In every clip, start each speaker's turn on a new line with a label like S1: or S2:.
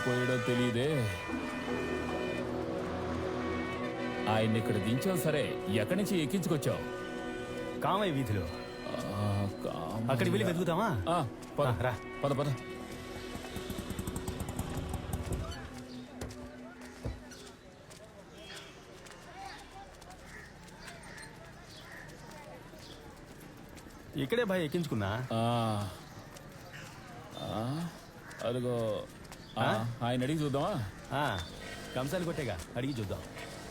S1: పోయాడో తెలియదే. ఆయన్ని ఇక్కడ దించావు సరే, ఎక్కడి నుంచి ఎక్కించుకొచ్చావు?
S2: కామయ్య వీధిలో. అక్కడికి వెళ్ళి వెతుకుతామా?
S1: పద
S2: రా.
S1: పద పద.
S2: ఇక్కడే భయ ఎక్కించుకున్నా.
S1: అదిగో ఆయన అడిగి చూద్దామా?
S2: కంసాలు కొట్టేగా, అడిగి చూద్దాం.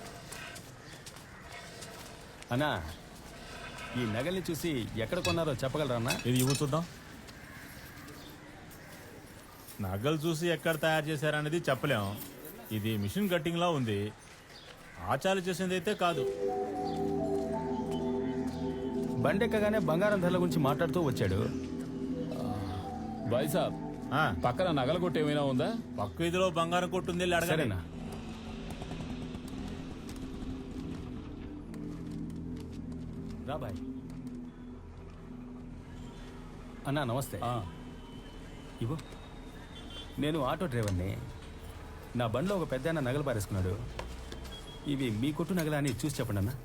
S2: అన్నా, ఈ నగల్ని చూసి ఎక్కడ కొన్నారో చెప్పగలరా అన్నా?
S3: ఇది ఇవ్వు చూద్దాం. నగలు చూసి ఎక్కడ తయారు చేశారనేది చెప్పలేం. ఇది మిషన్ కట్టింగ్ లా ఉంది. ఆచార్య చేసింది అయితే కాదు.
S2: బండెక్కగానే బంగారం ధరల గురించి మాట్లాడుతూ వచ్చాడు.
S1: బాయ్ సాబ్, పక్కన నగల కొట్టు ఏమైనా ఉందా?
S3: పక్క వీధిలో బంగారం కొట్టుంది, అడగలేనా?
S2: రా బాయ్. అన్నా నమస్తే. ఇవ్వు. నేను ఆటో డ్రైవర్ని. నా బండిలో ఒక పెద్ద ఆయన నగలు పారేసుకున్నాడు. ఇవి మీ కొట్టు నగలా అని చూసి చెప్పండి అన్న.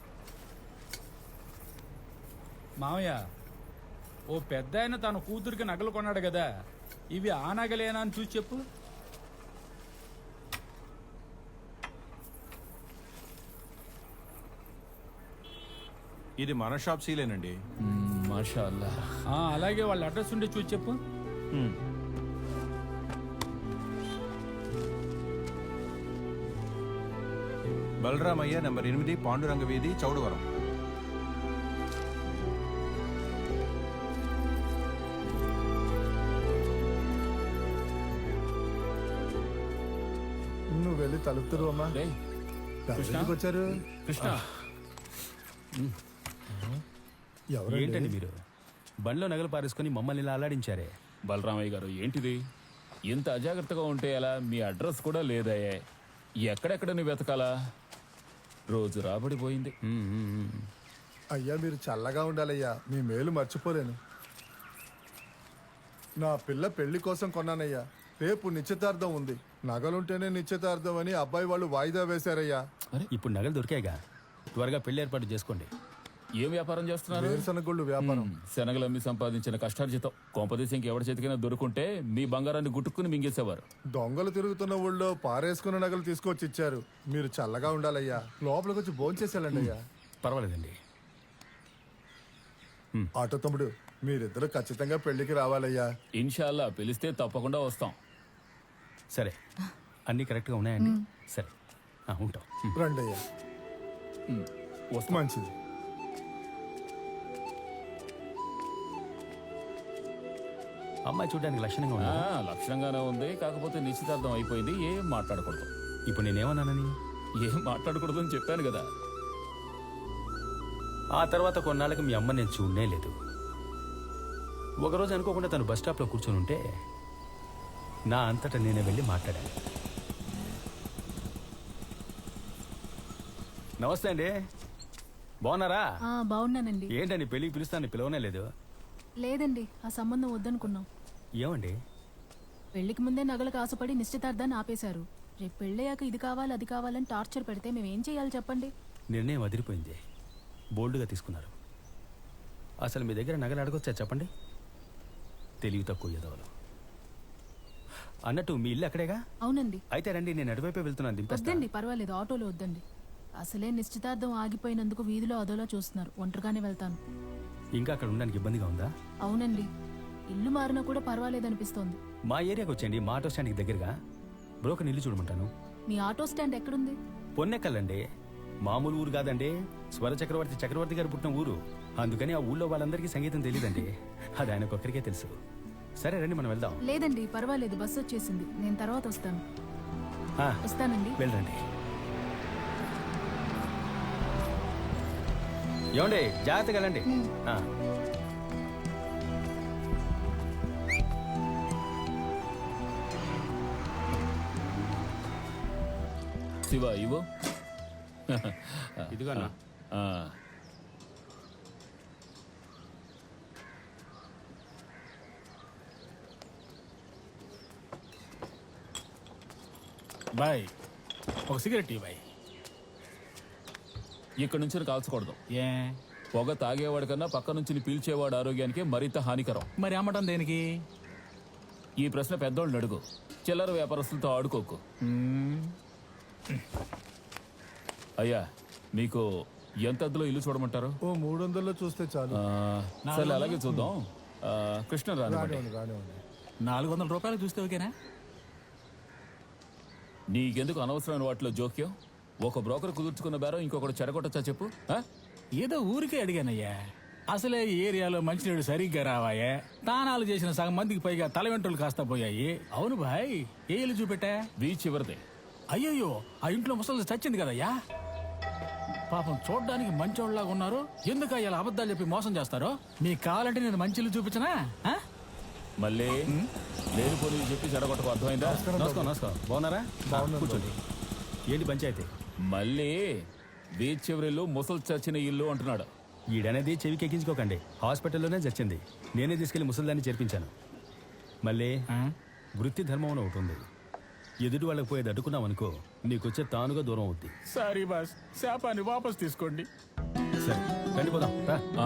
S4: మామయ్య, ఓ పెద్ద ఆయన తన కూతురికి నగలు కొన్నాడు కదా, ఇవి ఆ నగలేనా అని చూసి చెప్పు.
S5: ఇది మన షాప్ సీలేనండి.
S1: మాషా అల్లా.
S4: అలాగే వాళ్ళ అడ్రస్ ఉండి చూసి చెప్పు.
S5: బలరామయ్య నంబర్ 8, పాండురంగ వీధి, చౌడవరం.
S6: నువ్వు వెళ్ళి తలుపుతారు అమ్మా. వచ్చారు
S1: కృష్ణ.
S2: ఏంటండి మీరు బండిలో నగలు పారేసుకుని మమ్మల్ని ఇలా అల్లాడించారే?
S1: బలరామయ్య గారు, ఏంటిది ఇంత అజాగ్రత్తగా ఉంటే ఎలా? మీ అడ్రస్ కూడా లేదయ్యే. ఎక్కడెక్కడ నువ్వు వెతకాలా? రోజు రాబడిపోయింది.
S6: అయ్యా మీరు చల్లగా ఉండాలయ్యా, మీ మేలు మర్చిపోలేను. నా పిల్ల పెళ్లి కోసం కొన్నానయ్యా. రేపు నిశ్చితార్థం ఉంది. నగలుంటేనే నిశ్చితార్థం అని అబ్బాయి వాళ్ళు వాయిదా వేశారయ్యా.
S2: ఇప్పుడు నగలు దొరికాయిగా, త్వరగా పెళ్లి ఏర్పాటు చేసుకోండి.
S1: ఏం వ్యాపారం చేస్తున్నారు?
S6: వేరుశనగొళ్ళు వ్యాపారం.
S1: శనగలు అమ్మి సంపాదించిన కష్టార్జితం కొంపదేశంకి ఎవరి చేతికైనా దొరుకుంటే మీ బంగారాన్ని గుట్టుకుని మింగేసేవారు.
S6: దొంగలు తిరుగుతున్న ఊళ్ళో పారేసుకున్న నగలు తీసుకొచ్చి ఇచ్చారు. మీరు చల్లగా ఉండాలయ్యా. లోపలికి వచ్చి భోంచేసేయాలండి అయ్యా.
S2: పర్వాలేదండి.
S6: ఆటో తమ్ముడు, మీరిద్దరు ఖచ్చితంగా పెళ్లికి రావాలయ్యా.
S1: ఇన్షాల్లా పిలిస్తే తప్పకుండా వస్తాం.
S2: సరే, అన్నీ కరెక్ట్గా ఉన్నాయండి. సరే, ఉంటాం.
S6: రండి అయ్యా. మంచిది.
S2: అమ్మాయి చూడడానికి లక్షణంగా ఉంది.
S1: లక్షణంగానే ఉంది, కాకపోతే నిశ్చితార్థం అయిపోయింది. ఏం మాట్లాడకూడదు.
S2: ఇప్పుడు నేనేమన్నానని?
S1: ఏం మాట్లాడకూడదు అని చెప్పాను కదా.
S2: ఆ తర్వాత కొన్నాళ్ళకి మీ అమ్మ నేను చూడనే లేదు. ఒకరోజు అనుకోకుండా తను బస్ స్టాప్లో కూర్చొని ఉంటే నా అంతటా నేనే వెళ్ళి మాట్లాడాను. నమస్తే అండి, బాగున్నారా?
S7: బాగున్నానండి.
S2: ఏంటండి పెళ్ళికి పిలుస్తాను, పిలవనే లేదు?
S7: లేదండి, ఆ సంబంధం వద్దనుకున్నాం.
S2: ఏమండి?
S7: పెళ్లికి ముందే నగలకు ఆశపడి నిశ్చితార్థాన్ని ఆపేశారు. రేపు పెళ్ళయ్యాక ఇది కావాలి అది కావాలని టార్చర్ పెడితే మేమేం చేయాలి చెప్పండి?
S2: నిర్ణయం అదిరిపోయింది. బోల్డ్గా తీసుకున్నారు. అసలు మీ దగ్గర నగలు అడగొచ్చా చెప్పండి? తెలివి తక్కువ ఎదవలు. అన్నట్టు మీ ఇల్లు అక్కడేగా?
S7: అవునండి.
S2: అయితే రండి, నేను అటువైపే వెళ్తున్నాను.
S7: వద్దండి, పర్వాలేదు, ఆటోలో వద్దండి. అసలే నిశ్చితార్థం ఆగిపోయినందుకు వీధిలో అదోలా చూస్తున్నారు. ఒంటరిగానే వెళ్తాను.
S2: ఇంకా అక్కడ ఉండడానికి ఇబ్బందిగా ఉందా?
S7: అవునండి, ఇల్లు మారినా కూడా పర్వాలేదనిపిస్తోంది.
S2: మా ఏరియాకి వచ్చేయండి, మా ఆటో స్టాండ్కి దగ్గరగా. బ్రోకర్ ఇల్లు చూడమంటాను.
S7: మీ ఆటో స్టాండ్ ఎక్కడుంది?
S2: పొన్నెక్కలండి, మామూలు ఊరు కాదండి. స్వర చక్రవర్తి గారు పుట్టిన ఊరు. అందుకని ఆ ఊళ్ళో వాళ్ళందరికీ సంగీతం తెలియదండి. అది ఆయనకొక్కరికే తెలుసు. సరే రండి, మనం వెళ్దాం.
S7: లేదండి, పర్వాలేదు, బస్సు వచ్చేసింది. నేను తర్వాత వస్తాను. వస్తానండి.
S2: వెళ్ళండి. ఏమండి, జాగ్రత్తగా వెళ్ళండి.
S1: శివ, ఇవో.
S2: ఇదిగో.
S4: బాయ్ ఒక సిగరెట్ బాయ్.
S1: ఇక్కడి నుంచి కాల్చకూడదు.
S4: ఏ
S1: పొగ తాగేవాడి కన్నా పక్క నుంచి పీల్చేవాడు ఆరోగ్యానికి మరింత హానికరం.
S4: మరి అమ్మటం దేనికి?
S1: ఈ ప్రశ్న పెద్దోళ్ళని అడుగు, చిల్లర వ్యాపారస్తులతో ఆడుకోకు. అయ్యా, మీకు ఎంత అద్దెలో ఇల్లు చూడమంటారు?
S6: ఓ 300లో చూస్తే చాలు.
S1: సరే అలాగే చూద్దాం. కృష్ణ రానివ్వండి.
S6: రానివ్వండి, రానివ్వండి.
S4: 400 రూపాయలు చూస్తే ఓకేనా?
S1: నీకెందుకు అనవసరమైన వాటిలో జోక్యం? ఒక బ్రోకర్ కుదుర్చుకున్న బేరం ఇంకొకటి చెడగొట్టచ్చా చెప్పు? ఆ?
S4: ఏదో ఊరికే అడిగానయ్యా. అసలే ఈ ఏరియాలో మంచినీళ్ళు సరిగ్గా రావాయే. తానాలు చేసిన సగం మందికి పైగా తల వెంట్రులు కాస్త పోయాయి. అవును భాయ్, ఏ ఇల్లు చూపెట్టా?
S1: బీచ్ చివరిదే.
S4: అయ్యయ్యో, ఆ ఇంట్లో ముసలి చచ్చింది కదయ్యా. పాపం చూడ్డానికి మంచోళ్ళలాగా ఉన్నారు. ఎందుకు ఇలా అబద్ధాలు చెప్పి మోసం చేస్తారో? మీకు కావాలంటే నేను మంచి ఇల్లు చూపించనా? ఆ?
S1: మళ్ళీ లేని పోనీ చెప్పి చెడగొట్టకు, అర్థమైందా?
S2: నమస్కారం నమస్కారం. బాగున్నారా? కూర్చోండి. ఏంటి పంచాయతీ?
S1: మళ్ళీ బీచ్ చివరిల్లు ముసలి చచ్చిన ఇల్లు అంటున్నాడు.
S2: ఈడనేది చెవికి ఎక్కించుకోకండి. హాస్పిటల్లోనే చచ్చింది. నేనే తీసుకెళ్లి ముసలిదాన్ని చేర్పించాను. మళ్ళీ వృత్తి ధర్మం అని ఒకటి ఉంది. ఎదుటి వాళ్ళకి పోయేది అడ్డుకున్నాం అనుకో, నీకొచ్చే తానుగా దూరం అవుద్ది.
S4: సారీ బాస్, శాపాన్ని వాపస్ తీసుకోండి.
S2: సరే రండి పోదాం రా.
S1: ఆ,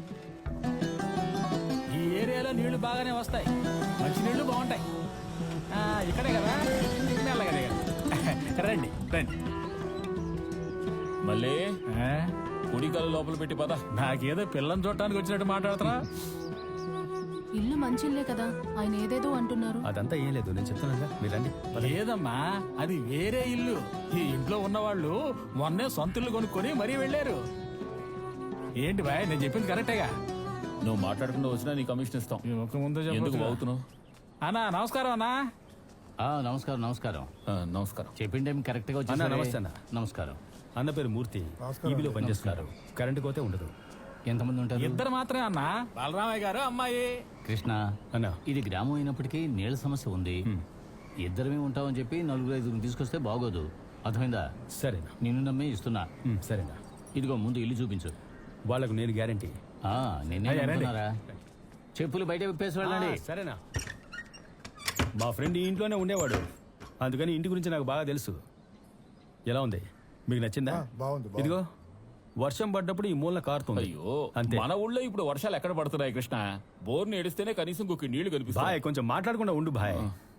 S4: ఈ ఏరియాలో నీళ్లు బాగానే వస్తాయి, మంచి నీళ్లు బాగుంటాయి. ఇక్కడే కదా, మెల్లగా దిగండి. రండి రండి.
S1: మళ్ళీ కుడికల లోపల పెట్టి పద.
S4: నాకేదో పిల్లని చూడటానికి వచ్చినట్టు మాట్లాడుతున్నా.
S7: ఇల్లు మంచి ఇల్లే కదా, ఆయన ఏదేదో అంటున్నారు.
S2: అదంతా ఏం లేదు, నేను చెప్తాను మీరు రండి.
S4: లేదమ్మా, అది వేరే ఇల్లు. ఈ ఇంట్లో ఉన్నవాళ్ళు మొన్నే సొంత ఇల్లు కొనుక్కొని మరీ వెళ్ళారు. ఏంటి బాయ్, నేను చెప్పింది కరెక్టేగా?
S1: నువ్వు మాట్లాడకుండా వచ్చినా నీ కమిషన్ ఇస్తాం. ఎందుకు బాగుతున్నావు?
S4: అన్నా నమస్కారం. అన్నా
S8: నమస్కారం. నమస్కారం.
S1: నమస్కారం.
S8: చెప్పిన టైం కరెక్ట్ గా
S2: అన్న
S8: వచ్చి.
S2: నమస్తే అన్న.
S8: నమస్కారం.
S2: అన్న పేరు మూర్తి. ఈబీలో పనిచేస్తున్నారు. కరెంటు కోతే ఉండదు.
S8: ఎంతమంది ఉంటారు?
S4: ఇద్దరు మాత్రమే అన్నా, బలరామయ్య గారు అమ్మాయి.
S8: కృష్ణ,
S2: అన్న
S8: ఇది గ్రామం అయినప్పటికీ నీళ్ళ సమస్య ఉంది. ఇద్దరమే ఉంటామని చెప్పి 4-5 తీసుకొస్తే బాగోదు, అర్థమైందా?
S2: సరేనా?
S8: నిన్ను నమ్మి ఇస్తున్నా.
S2: సరేనా?
S8: ఇదిగో ముందు ఇల్లు చూపించు.
S2: వాళ్ళకు నేను గ్యారంటీ.
S8: నిన్నే నమ్ముతున్నారా? చెప్పులు బయట విప్పేసి వెళ్ళండి.
S2: సరేనా? మా ఫ్రెండ్ ఈ ఇంట్లోనే ఉండేవాడు, అందుకని ఇంటి గురించి నాకు బాగా తెలుసు. ఎలా ఉంది, మీకు నచ్చిందా?
S6: బాగుంది.
S2: ఇదిగో వర్షం పడ్డప్పుడు ఈ మూలన కారుతుంది.
S1: అయ్యో,
S2: అంతే.
S1: మన ఊళ్ళో ఇప్పుడు వర్షాలు ఎక్కడ పడుతున్నాయి కృష్ణ? బోర్ని ఏడిస్తేనే కనీసం కుక్కి నీళ్లు
S2: బాయ్
S1: కనిపిస్తాయి.
S2: కొంచెం మాట్లాడకుండా ఉండు బాయ్.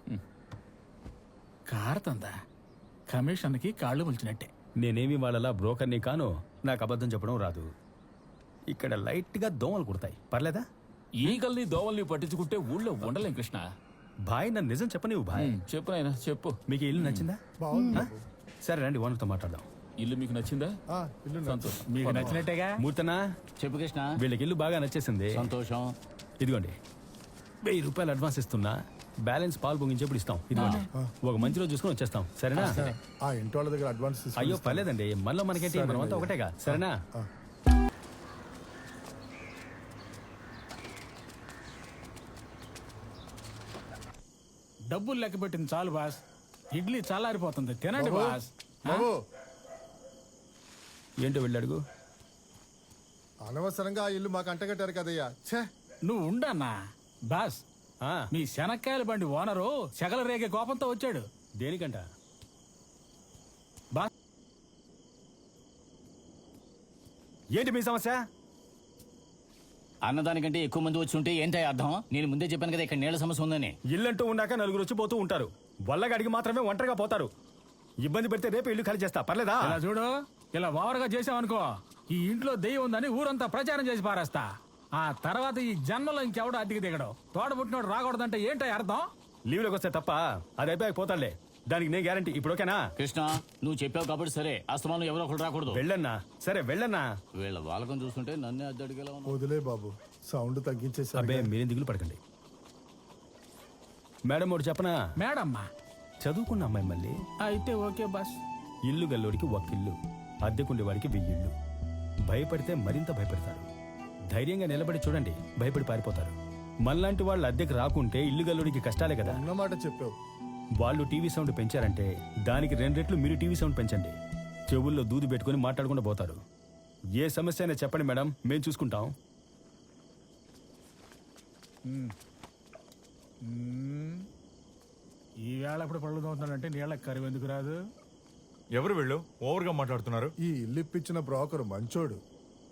S4: కారుతుందా? కమిషన్కి కాళ్ళు ములిచినట్టే.
S2: నేనేమి వాళ్ళలా బ్రోకర్ని కాను, నాకు అబద్ధం చెప్పడం రాదు. ఇక్కడ లైట్ గా దోమలు కుడతాయి, పర్లేదా?
S1: ఈగల్ని దోవల్ని పట్టించుకుంటే ఊళ్ళో ఉండలేం కృష్ణ.
S2: బాయ్ నన్ను నిజం చెప్పనివ్వు బాయ్.
S1: చెప్పు నాయనా, చెప్పు.
S2: మీకు ఈ ఇల్లు నచ్చిందా?
S6: బాగుంది.
S2: ఆ? సరే రండి ఓనర్తో మాట్లాడదాం.
S1: ఇల్లు మీకు నచ్చిందా?
S6: ఇల్లు
S1: సంతోషం.
S4: మీకు నచ్చినట్టేగా?
S2: మూర్తనా,
S8: చెప్పు కృష్ణ.
S2: వీళ్ళకి ఇల్లు బాగా నచ్చేసింది.
S8: సంతోషం.
S2: ఇదిగోండి 1000 రూపాయలు అడ్వాన్స్ ఇస్తున్నా, బ్యాలెన్స్ పాలు పొంగించేప్పుడు ఇస్తాం. ఇదిగోండి, ఒక మంచి రోజు చూసుకుని వచ్చేస్తాం. సరేనా?
S6: ఆ ఇంటి వాళ్ళ దగ్గర అడ్వాన్స్ తీసుకొని
S2: అయ్యో పర్లేదండి, మనలో మనకేంటి, మనమంతా ఒకటేగా. సరేనా?
S4: డబ్బులు లెక్క పెట్టింది చాలు బాస్. ఇడ్లీ చల్లారిపోతుంది, తినండి బాస్.
S6: బాబు,
S2: ఏంటో వెళ్ళాడుగు.
S6: అనవసరంగా ఆ ఇల్లు మాకు అంటగట్టారు కదయ్యా. ఛే,
S4: నువ్వు ఉండన్నా బాస్.
S2: ఆ,
S4: మీ శనక్కాయల బండి ఓనరు సెగల రేగే కోపంతో వచ్చాడు.
S2: దేనికంట?
S4: బాస్,
S2: ఏంటి మీ సమస్య?
S8: అన్నదానికంటే ఎక్కువ మంది వచ్చి ఉంటే ఏంటో అర్థం? నేను ముందే చెప్పాను కదా ఇక్కడ నీళ్ళ సమస్య ఉందని.
S2: ఇల్లంటూ ఉన్నాక నలుగురు వచ్చి పోతూ ఉంటారు, వల్లగడికి మాత్రమే ఒంటరిగా పోతారు. ఇబ్బంది పెడితే రేపు ఇల్లు ఖాళీ చేస్తా, పర్లేదా?
S4: ఇలా చూడు, ఇలా ఓవర్గా చేసావనుకో, ఈ ఇంట్లో దెయ్యం ఉందని ఊరంతా ప్రచారం చేసి పారేస్తా. ఆ తర్వాత ఈ జన్మలో ఇంకెవడో అద్దెకి దిగడు. తోడబుట్టినోడు రాకూడదంటే ఏంటో అర్థం?
S2: లీవ్లోకి వస్తే తప్ప, అది అయిపోయాక పోతాడులే. దానికి నేను గ్యారంటీ. ఇప్పుడు ఓకేనా?
S8: కృష్ణ, నువ్వు చెప్పావు కాబట్టి సరే, అస్తమానం ఎవరో ఒకరు రాకూడదు.
S2: వెళ్ళన్నా. సరే వెళ్ళన్నా.
S8: వీళ్ళ వాళ్ళకం చూస్తుంటే నన్నే అద్దడిగేలా ఉన్నా.
S6: వదిలే బాబు, సౌండ్ తగ్గించేసారు.
S2: అబ్బే మీరేం దిగులు పడకండి. మేడం ఒకటి చెప్పనా?
S4: మేడమ్మా,
S2: చదువుకున్న అమ్మాయి మళ్ళీ
S4: అయితే ఓకే బాస్.
S2: ఇల్లు గల్లోడికి ఒక్కిల్లు, అద్దెకుండేవాడికి 1000 ఇళ్ళు. భయపడితే మరింత భయపడతారు. ధైర్యంగా నిలబడి చూడండి, భయపడి పారిపోతారు. మనలాంటి వాళ్ళు అద్దెకి రాకుంటే ఇల్లు గల్లోడికి కష్టాలే కదా.
S6: అన్నమాట చెప్పావు.
S2: వాళ్ళు టీవీ సౌండ్ పెంచారంటే దానికి 2 రెట్లు మీరు టీవీ సౌండ్ పెంచండి. చెవుల్లో దూది పెట్టుకుని మాట్లాడకుండా పోతారు. ఏ సమస్య అయినా చెప్పండి మేడం, మేము చూసుకుంటాం.
S4: ఈ వేళ ఇప్పుడు పళ్ళు తోముతున్నాడంటే నీళ్ళకి కరువు ఎందుకు రాదు?
S9: ఎవరు వీళ్ళు ఓవర్గా మాట్లాడుతున్నారు?
S6: ఈ ఇల్లు ఇప్పించిన బ్రోకర్ మంచోడు.